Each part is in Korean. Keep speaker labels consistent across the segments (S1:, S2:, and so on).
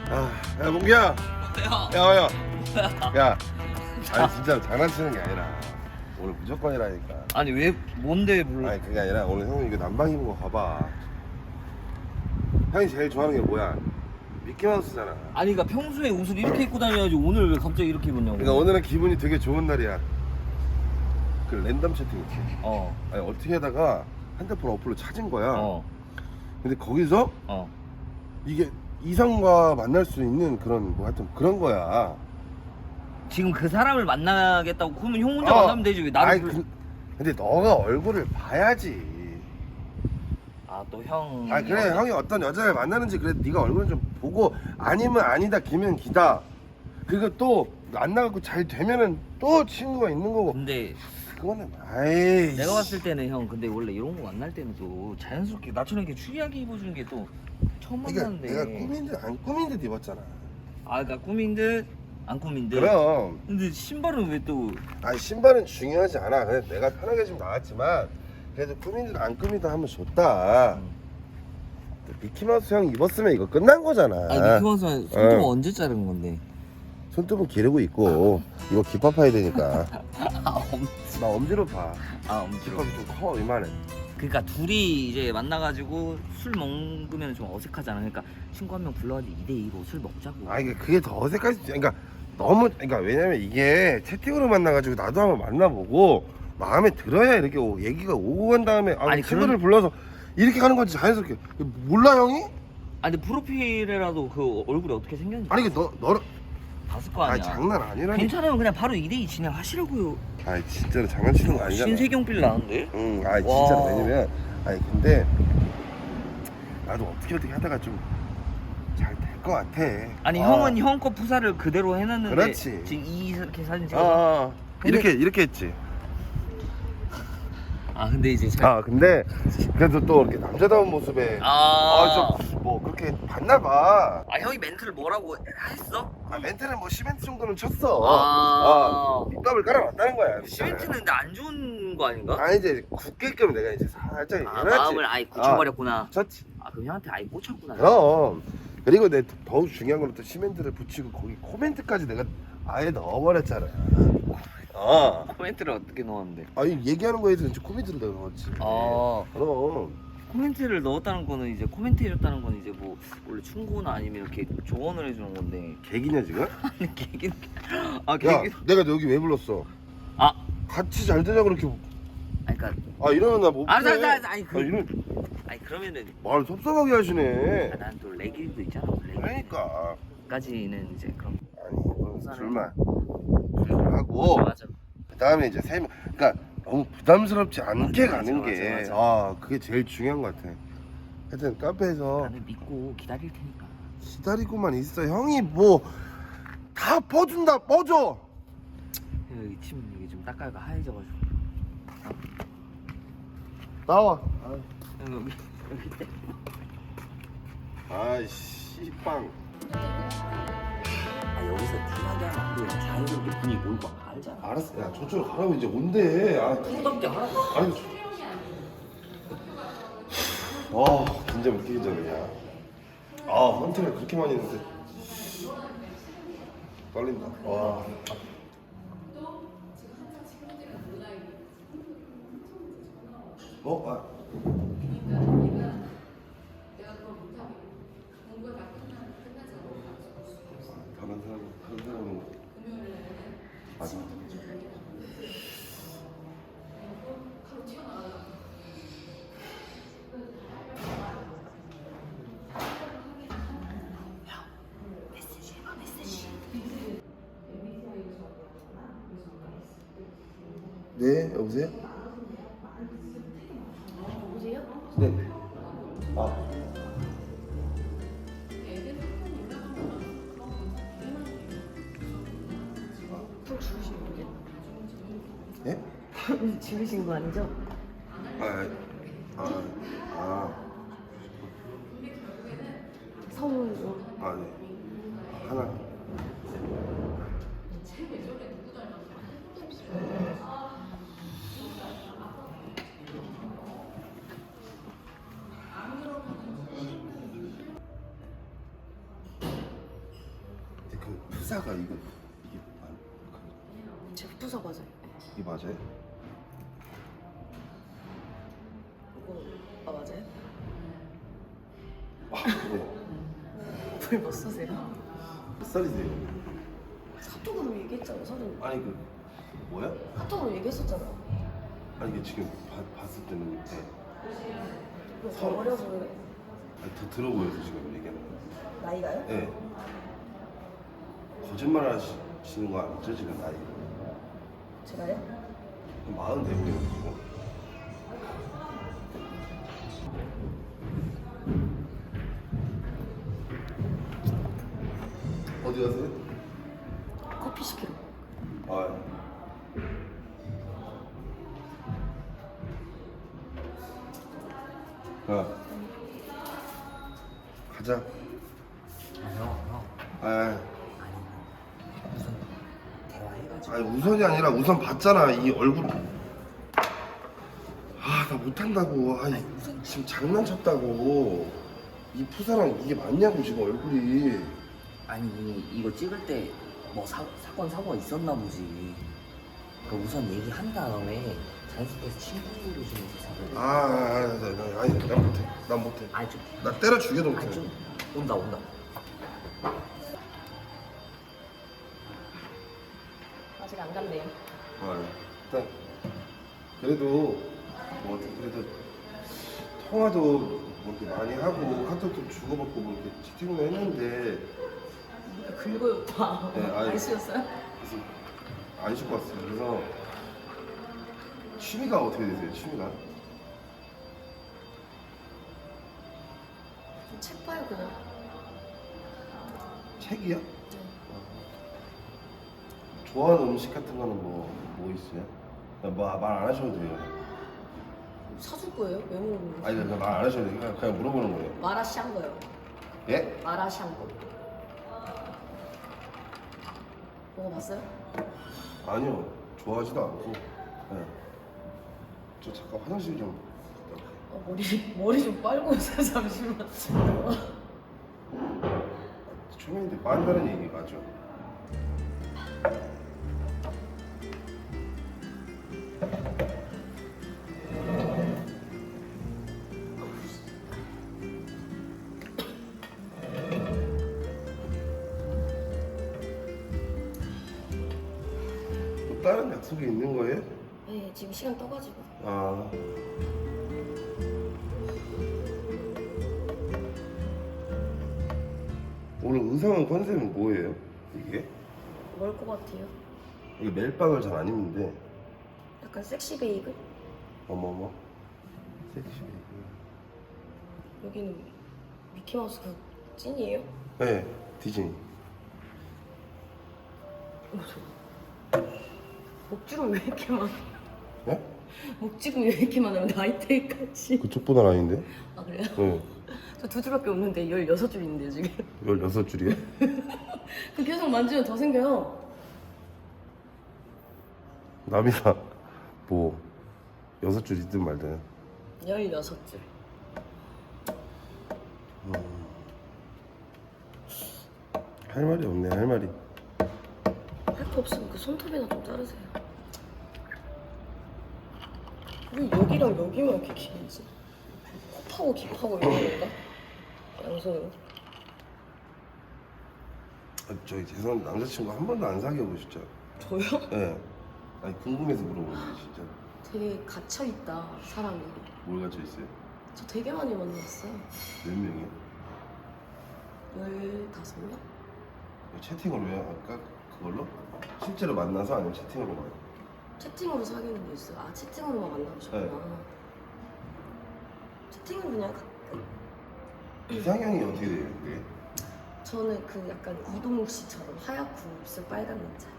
S1: 야 몽기야.
S2: 뭐야?
S1: 야. 아니 진짜 장난치는 게 아니라 오늘 무조건이라니까.
S2: 아니 왜 뭔데 불러?
S1: 아니 그게 아니라 오늘 형 이거 남방 입은 거 봐봐. 형이 제일 좋아하는 게 뭐야? 미키마우스잖아.
S2: 아니 그러니까 평소에 옷을 이렇게 입고 다녀야지 오늘 왜 갑자기 이렇게 입었냐고.
S1: 그러니까 오늘은 기분이 되게 좋은 날이야. 그 랜덤 채팅 있지. 아니 어떻게 하다가 핸드폰 어플로 찾은 거야. 근데 거기서 이게 이성과 만날 수 있는 그런 뭐 하여튼 그런 거야.
S2: 지금 그 사람을 만나겠다고 그러면 형 혼자 만나면 되지 왜 나를
S1: 아니, 근데 너가 얼굴을 봐야지.
S2: 또 형.
S1: 아 그래 형이 어떤 여자를 만나는지 그래 네가 얼굴 좀 보고 아니면 아니다 기면 기다. 그리고 또 만나갖고 잘 되면은 또 친구가 있는 거고.
S2: 근데
S1: 그거는 아이.
S2: 내가 봤을 때는 형 근데 원래 이런 거 만날 때는 또 자연스럽게 나처럼 이렇게 추리하게 입어주는 게 또 처음 만나는데.
S1: 내가 꾸민 듯 안 꾸민 듯 입었잖아.
S2: 그러니까 꾸민 듯 안 꾸민 듯.
S1: 그럼.
S2: 근데 신발은 왜 또?
S1: 아니 신발은 중요하지 않아. 그냥 내가 편하게 좀 나왔지만 그래도 꾸민 듯 안 꾸민 듯 하면 좋다. 미키마우스 형 입었으면 이거 끝난 거잖아.
S2: 아니 미키마우스 손톱 언제 자른 건데?
S1: 손톱은 기르고 있고 이거 깃밥 파야 되니까. 나 엄지로 봐.
S2: 엄지로.
S1: 깃밥이 좀 커 이만해.
S2: 그러니까 둘이 이제 만나가지고 술 먹으면 좀 어색하잖아. 그러니까 친구 한 명 불러가지고 2대2로 술 먹자고.
S1: 아 이게 그게 더 어색할 수 있지. 그러니까 너무 그러니까 왜냐면 이게 채팅으로 만나가지고 나도 한번 만나보고 마음에 들어야 이렇게 얘기가 오고 간 다음에
S2: 아니,
S1: 친구를 불러서 이렇게 가는 건지 자연스럽게. 몰라 형이?
S2: 아니 근데 프로필에라도 그 얼굴이 어떻게 생겼는지
S1: 아니 이게 너를
S2: 봤을 거 아니야.
S1: 아니 장난 아니라니.
S2: 괜찮으면 그냥 바로 2대2 진행하시라고요.
S1: 아니 진짜로 장난치는 거 아니잖아.
S2: 신세경빌 나는데?
S1: 응, 아니 진짜로. 왜냐면 아니 근데 나도 어떻게 하다가 좀 잘 될 것 같아.
S2: 아니 형은 형 거 푸사를 그대로 해놨는데
S1: 그렇지.
S2: 지금 이렇게 사진 찍어. 근데-
S1: 이렇게 했지.
S2: 근데 이제
S1: 근데 그래도 또 이렇게 남자다운 모습에 좀 뭐 그렇게 봤나 봐.
S2: 형이 멘트를 뭐라고 했어?
S1: 멘트는 뭐 시멘트 정도는 쳤어. 밑밥을 깔아놨다는 거야.
S2: 시멘트는 근데 안 좋은 거 아닌가?
S1: 아니 이제 굳게끔 내가 이제 살짝 얘기해놨지.
S2: 마음을 아예 굳혀버렸구나.
S1: 쳤지.
S2: 그럼 형한테 아예 꽂혔구나.
S1: 그럼. 그리고 내 더욱 중요한 건 또 시멘트를 붙이고 거기 코멘트까지 내가 아예 넣어버렸잖아.
S2: 코멘트를 어떻게 넣었는데?
S1: 아니 얘기하는 거에 대해서 코멘트를 내가 넣었지. 그럼.
S2: 코멘트를 넣었다는 거는 이제 코멘트 해줬다는 건 이제 뭐 원래 충고나 아니면 이렇게 조언을 해주는 건데.
S1: 개기냐 지금?
S2: 아니 개긴.
S1: 야 내가 너 여기 왜 불렀어? 같이 잘 되자 그렇게.
S2: 그러니까.
S1: 이러면 나 못.
S2: 아니
S1: 이런
S2: 그러면은.
S1: 말 섭섭하게 하시네.
S2: 난 또 레길도 있잖아.
S1: 그러니까.
S2: 까지는 이제 그럼.
S1: 아니 이건 둘만 하고.
S2: 맞아.
S1: 그 다음에 이제 세 명. 그러니까 너무 부담스럽지 않게 가는 게.
S2: 맞아.
S1: 그게 제일 중요한 것 같아. 하여튼 카페에서
S2: 나는 믿고 기다릴 테니까.
S1: 기다리고만 있어. 형이 뭐 다 퍼준다. 퍼줘.
S2: 여기 침 여기 좀 닦아가 하얘져가지고.
S1: 나와.
S2: 여기.
S1: 아이씨 빵.
S2: 여기서 쿨하게 하면 안 돼. 자연스럽게 분위기 몰고 알잖아.
S1: 알았어. 야 저쪽으로 가라고 이제 뭔데?
S2: 프로답게 하라고.
S1: 아니. 진짜 몇 개기 전이야. 헌팅을 그렇게 많이 했는데 떨린다. 와. 다른 사람은 맞아. 네, 여보세요?
S3: 여보세요?
S1: 네.
S3: 또 죽으신 거예요?
S1: 예?
S3: 죽으신 거 아니죠? 성우로.
S1: 네. 하나. 그 푸사가 이게
S3: 제 부서 맞아요.
S1: 이게 맞아요?
S3: 이거 맞아요?
S1: 네.
S3: 불뭐 쓰세요?
S1: 몇 살이세요?
S3: 카톡으로 얘기했잖아요. 서른.
S1: 아니 그 뭐야?
S3: 카톡으로 얘기했었잖아요.
S1: 아니 이게 지금 봤을 때는 네.
S3: 더 어려 보여요.
S1: 아니, 더 들어 보여서 지금 얘기하는 거예요.
S3: 나이가요?
S1: 네. 거짓말 하시는 거 아니죠 지금 나이?
S3: 제가요?
S1: 40 되고요 지금. 어디 가세요?
S3: 커피 시키러.
S1: 아. 야. 가자.
S2: 형.
S1: 아.
S2: 무슨 대화해가지고.
S1: 아니 우선이 아니라 우선 봤잖아 이 얼굴. 아 나 못한다고. 아니 지금 장난쳤다고. 이 푸사랑 이게 맞냐고 지금 얼굴이.
S2: 아니 이거 찍을 때 뭐 사건 사고가 있었나 보지. 그 우선 얘기한 다음에 자연스럽게 친구로 지내서
S1: 아니 난 못해. 난 못해.
S2: 아니 좀
S1: 나 때려 죽여도 못해.
S2: 아니 좀 온다.
S3: 아직 안 갔네요.
S1: 일단 그래도 뭐 어떻게 그래도 통화도 뭐 이렇게 많이 하고 카톡도 주고받고 뭐 이렇게 채팅도 했는데
S3: 긁어요, 오빠.
S1: 네, 아니.
S3: 안 씌웠어요?
S1: 그래서 안 씻고 왔어요. 그래서 취미가 어떻게 되세요? 취미가?
S3: 책 봐요, 그냥.
S1: 책이요?
S3: 네.
S1: 좋아하는 음식 같은 거는 뭐 있어요? 뭐 말 안 하셔도 돼요.
S3: 사줄 거예요? 왜 물어보는
S1: 아니
S3: 거예요?
S1: 말 안 하셔도 돼요. 그냥 물어보는 거예요.
S3: 마라샹궈요.
S1: 예?
S3: 마라샹궈. 먹어봤어요?
S1: 아니요. 좋아하지도 않고. 네. 저 잠깐 화장실 좀.
S3: 머리 좀 빨고 오세요, 잠시만.
S1: 초면인데 빤다는 얘기 맞죠? 또 다른 약속이 있는 거예요?
S3: 네, 지금 시간 떠가지고.
S1: 아. 오늘 의상은 컨셉은 뭐예요? 이게?
S3: 뭘 것 같아요?
S1: 이게 멜빵을 잘 안 입는데.
S3: 약간 섹시 베이글?
S1: 어머머. 섹시
S3: 여기는 미키마우스 그 찐이에요?
S1: 네, 디즈니.
S3: 목주름 왜 이렇게 많아?
S1: 네?
S3: 목주름 왜 이렇게 많아요? 나이테까지.
S1: 그쪽보다 아닌데?
S3: 아 그래요?
S1: 네.
S3: 저 2줄밖에 없는데 16줄 있는데요 지금.
S1: 16줄이요?
S3: 그 계속 만지면 더 생겨요.
S1: 남이가 뭐 6줄 있든 말든
S3: 16줄.
S1: 할 말이 없네. 할 말이.
S3: 할 거 없으면 그 손톱이나 좀 자르세요. 왜 여기랑 여기만 이렇게 길지? 곱하고 깊하고 이런 건가? 양손으로?
S1: 저희 죄송한데 남자친구 한 번도 안 사귀어 보셨죠?
S3: 저요?
S1: 네. 아니 궁금해서 물어보는 게 진짜.
S3: 되게 갇혀있다 사람이.
S1: 뭘 갖춰 있어요?
S3: 저 되게 많이 만났어요.
S1: 몇 명이요?
S3: 15명?
S1: 채팅으로 해요? 아까 그걸로? 실제로 만나서 아니면 채팅으로 만나요?
S3: 채팅으로 사귀는 거 있어요. 아 채팅으로만 만나보셨구나.
S1: 네.
S3: 채팅은 그냥 가끔.
S1: 이상형이 어떻게 돼요? 그게?
S3: 저는 그 약간 이동욱 씨처럼 하얗고 입술 빨간 남자.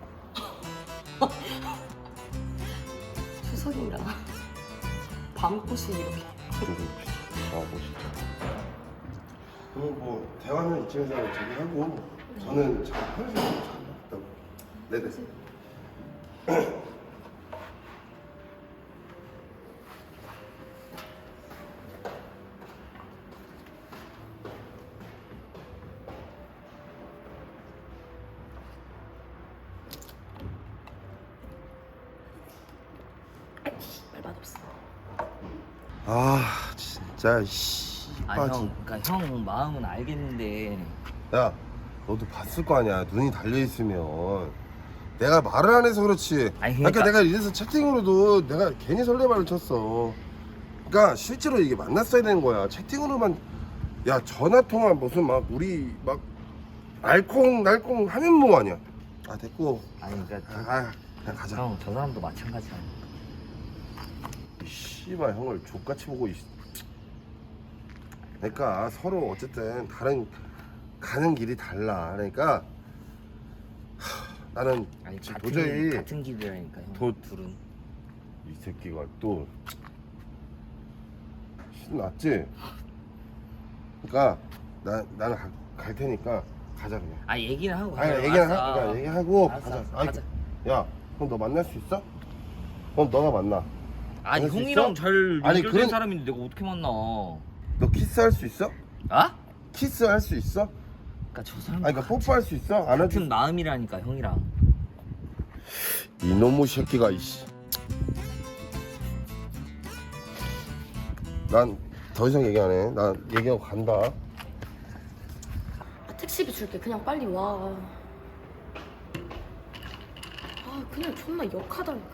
S3: 추석이라 밤꽃이 이렇게.
S1: 아, 멋있다. 그럼 뭐 대화는 이쯤에서 저기 하고 저는 잘 편의점 잘 나갔다고. 네네. 아 진짜 씨발.
S2: 그러니까 형 마음은 알겠는데.
S1: 야 너도 봤을 거 아니야. 눈이 달려있으면. 내가 말을 안 해서 그렇지.
S2: 아니,
S1: 그러니까 내가 이래서 채팅으로도 내가 괜히 설레발을 쳤어. 그러니까 실제로 이게 만났어야 되는 거야. 채팅으로만. 야 전화통화 무슨 막 우리 막 알콩달콩 하면 뭐 아니야. 아 됐고.
S2: 아니 그러니까
S1: 그냥 가자.
S2: 형 저 사람도 마찬가지야.
S1: 이 씨발 형을 족같이 보고 그러니까 서로 어쨌든 다른 가는 길이 달라. 그러니까 나는
S2: 아니
S1: 지금
S2: 같은
S1: 도저히
S2: 같은 길이라니까 형. 둘은.
S1: 이 새끼가 또 신났지. 그러니까 나는 갈 테니까 가자 그냥.
S2: 아 얘기는 하고
S1: 아니
S2: 가자.
S1: 얘기하고
S2: 알았어.
S1: 그러니까 얘기하고
S2: 알았어,
S1: 가자.
S2: 알았어,
S1: 아이,
S2: 가자.
S1: 야 그럼 너 만날 수 있어? 그럼 너가 만나.
S2: 아니
S1: 만날 수
S2: 형이랑
S1: 있어?
S2: 잘
S1: 아니,
S2: 연결된
S1: 그런-
S2: 사람인데 내가 어떻게 만나?
S1: 너 키스할 수 있어?
S2: 아?
S1: 키스할 수 있어?
S2: 그러니까 저 사람
S1: 아니 그러니까 뽀뽀할 수 있어? 안
S2: 같은
S1: 하지?
S2: 마음이라니까 형이랑.
S1: 이놈의 새끼가 이씨. 난 더 이상 얘기 안 해. 난 얘기하고 간다.
S3: 아, 택시비 줄게. 그냥 빨리 와. 아 그냥 존나 역하다니까.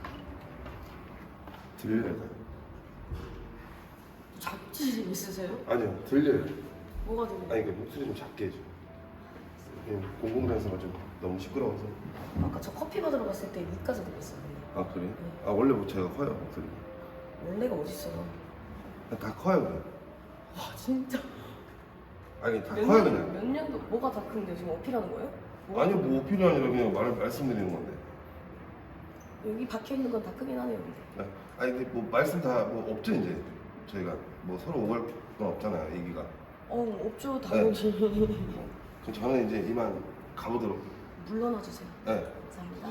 S1: 들려요?
S3: 잡지 있으세요?
S1: 아니요 들려요.
S3: 뭐가 들려?
S1: 아니 그 목소리 좀 작게 해줘. 공공장소가 좀 너무 시끄러워서.
S3: 아까 저 커피 받으러 갔을 때 위까지 들렸어요.
S1: 아 그래? 아 원래 뭐 제가 커요 목소리.
S3: 원래가 어딨어?
S1: 다 커요 그냥.
S3: 와 진짜.
S1: 아니 다
S3: 몇
S1: 커요
S3: 년,
S1: 그냥.
S3: 몇 년도 뭐가 다 큰데 지금 어필하는 거예요? 뭐가
S1: 아니요
S3: 큰데?
S1: 뭐 어필이 아니라 그냥 말씀드리는 건데.
S3: 여기 박혀 있는 건 다 크긴 하네요. 근데.
S1: 네. 아니 근데 뭐 말씀 다 뭐 없죠 이제. 저희가 뭐 서로 오갈 건 없잖아요 얘기가.
S3: 없죠 당연히.
S1: 그럼 저는 이제 이만 가보도록.
S3: 물러나 주세요.
S1: 네.
S3: 감사합니다.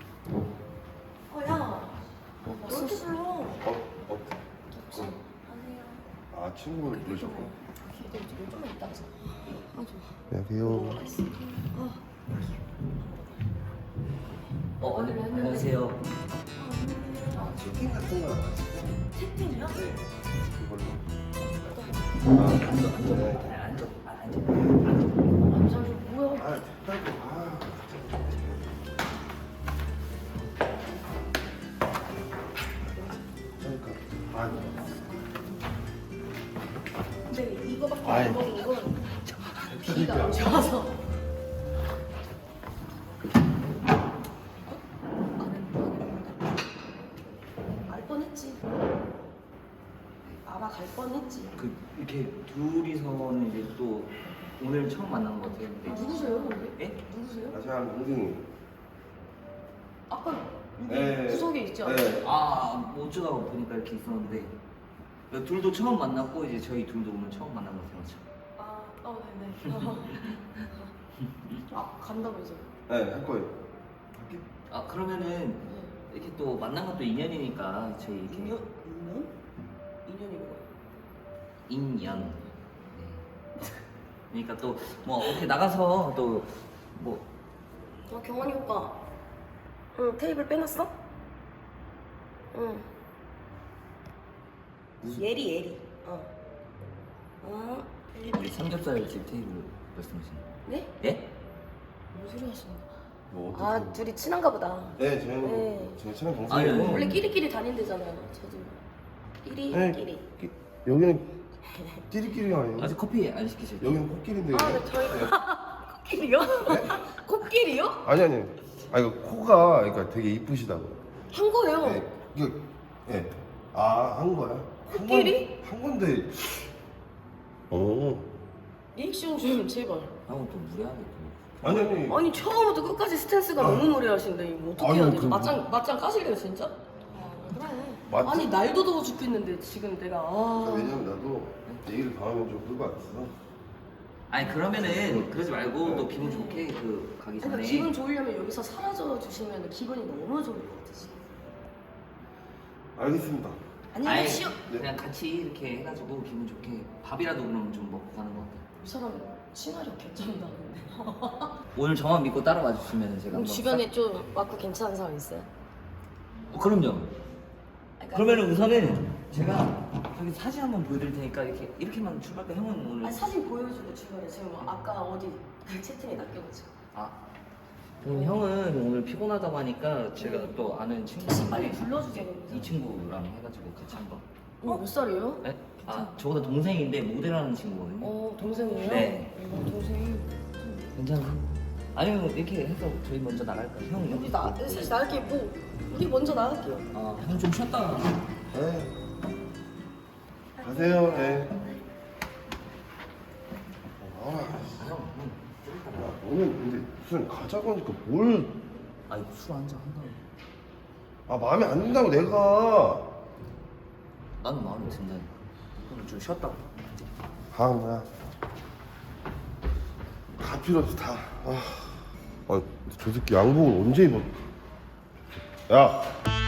S3: 야. 왜 이렇게 불러?
S1: 어.
S3: 안녕하세요.
S1: 아 친구분 부르셨고.
S3: 걔들 지금 좀만 이따 가자. 아 좋아.
S1: 안녕하세요.
S2: 안녕하세요.
S1: 치킨 같은 거
S3: 채팅이요?
S1: 네. 이걸로.
S2: 앉아.
S3: 잠시 뭐야?
S1: 아 됐다고. 아. 그러니까. 아.
S3: 근데 이거밖에
S1: 아이.
S3: 안 먹은 건 비가 안 좋아서. 알 뻔했지. 알아갈 뻔했지.
S2: 그 이렇게 둘이서는 이제 또 오늘 처음 만난 것 같아요. 근데
S3: 누구세요, 근데?
S2: 예?
S3: 누구세요?
S1: 아 제가 동생이.
S3: 아까 여기
S1: 네.
S3: 구석에 있지 않아요?
S1: 네.
S2: 뭐 어쩌다가 보니까 이렇게 있었는데 둘도 처음 만났고 이제 저희 둘도 오늘 처음 만난 것 같아요.
S3: 네네. 아, 간다면서요?
S1: 네, 할 거예요.
S2: 아 그러면은 이렇게 또 만난 것도 인연이니까 저희 이렇게
S3: 인연? 인연? 인연이 뭐예요?
S2: 인연. 네. 그러니까 또 뭐 이렇게 나가서 또 뭐
S3: 경환이 오빠. 응, 테이블 빼놨어? 응. 예리.
S2: 우리 삼겹살집 테이블 말씀하시는 거?
S3: 네?
S2: 예?
S3: 무슨 소리 하시는 거야?
S1: 뭐 어떻게?
S3: 아, 둘이 친한가 보다.
S1: 네, 저희는
S3: 네.
S1: 제가 친한
S2: 아니,
S1: 동생이고.
S2: 아니.
S3: 원래 끼리끼리 다닌대잖아요. 저도. 끼리.
S1: 여기는 끼리끼리가 아니고.
S2: 아직 커피 안 시키셨죠?
S1: 여기는 코끼리인데.
S3: 아, 네, 저희 코끼리요? 코끼리요?
S1: 아니. 아 이거 코가 그러니까 되게 이쁘시다고.
S3: 한 거예요.
S1: 네, 이거 예. 한 거야?
S3: 코끼리?
S1: 한 건데. 오.
S3: 리액션 좀 제발.
S2: 하고 또 무례하게 또
S1: 아니.
S3: 아니 처음부터 끝까지 스탠스가 너무 무례하신데 이거 어떻게
S1: 아유,
S3: 해야 되지?
S1: 그-
S3: 맞짱 까실래요 진짜? 그래.
S1: 맞지?
S3: 아니 날도 더워 죽겠는데 지금 내가
S1: 왜냐면 나도 얘기를 다음에 좀 끌고 왔어.
S2: 아니 그러면은 그러지 말고 또 기분 좋게 그 가기 전에
S3: 그러니까 기분 좋으려면 여기서 사라져 주시면 기분이 너무 좋을 것 같아 지금.
S1: 알겠습니다.
S2: 아니
S3: 안녕하세요.
S2: 그냥 같이 이렇게 해가지고 기분 좋게 밥이라도 그러면 좀 먹고 가는 거 어때요?
S3: 이 사람 친화력 개쩐다 근데.
S2: 오늘 저만 믿고 따라와 주시면 제가
S3: 그럼
S2: 한번
S3: 주변에 좀 맞고 괜찮은 사람 있어요?
S2: 그럼요.
S3: 그러니까
S2: 그러면은 우선은 제가 여기 사진 한번 보여드릴 테니까 이렇게만 출발할까? 형은 오늘
S3: 아 사진 보여주고 주변에 지금 아까 어디 채팅에 낚여가지고.
S2: 아 그럼 형은 오늘 피곤하다고 하니까 제가 또 아는 친구
S3: 빨리 불러주세요.
S2: 이 친구랑 해가지고 같이 한번.
S3: 몇 살이에요?
S2: 네? 아 저보다 동생인데 모델하는 친구거든요.
S3: 동생이에요?
S2: 네.
S3: 동생.
S2: 괜찮아요? 아니면 이렇게 해서 저희 먼저 나갈까요? 형
S3: 우리 사실 나갈게 뭐 우리 먼저 나갈게요.
S2: 형 좀 쉬었다가.
S1: 네. 가세요. 네. 나와라.
S2: 형.
S1: 야, 너는 근데 무슨 가자고 하니까 뭘?
S2: 아니 술 한잔 한다고.
S1: 아 마음에 안 든다고 내가.
S2: 나는 마음에 든다니까. 형좀 쉬었다고.
S1: 뭐야. 다 필요 없어 다. 저 새끼 양복을 언제 입어? 야.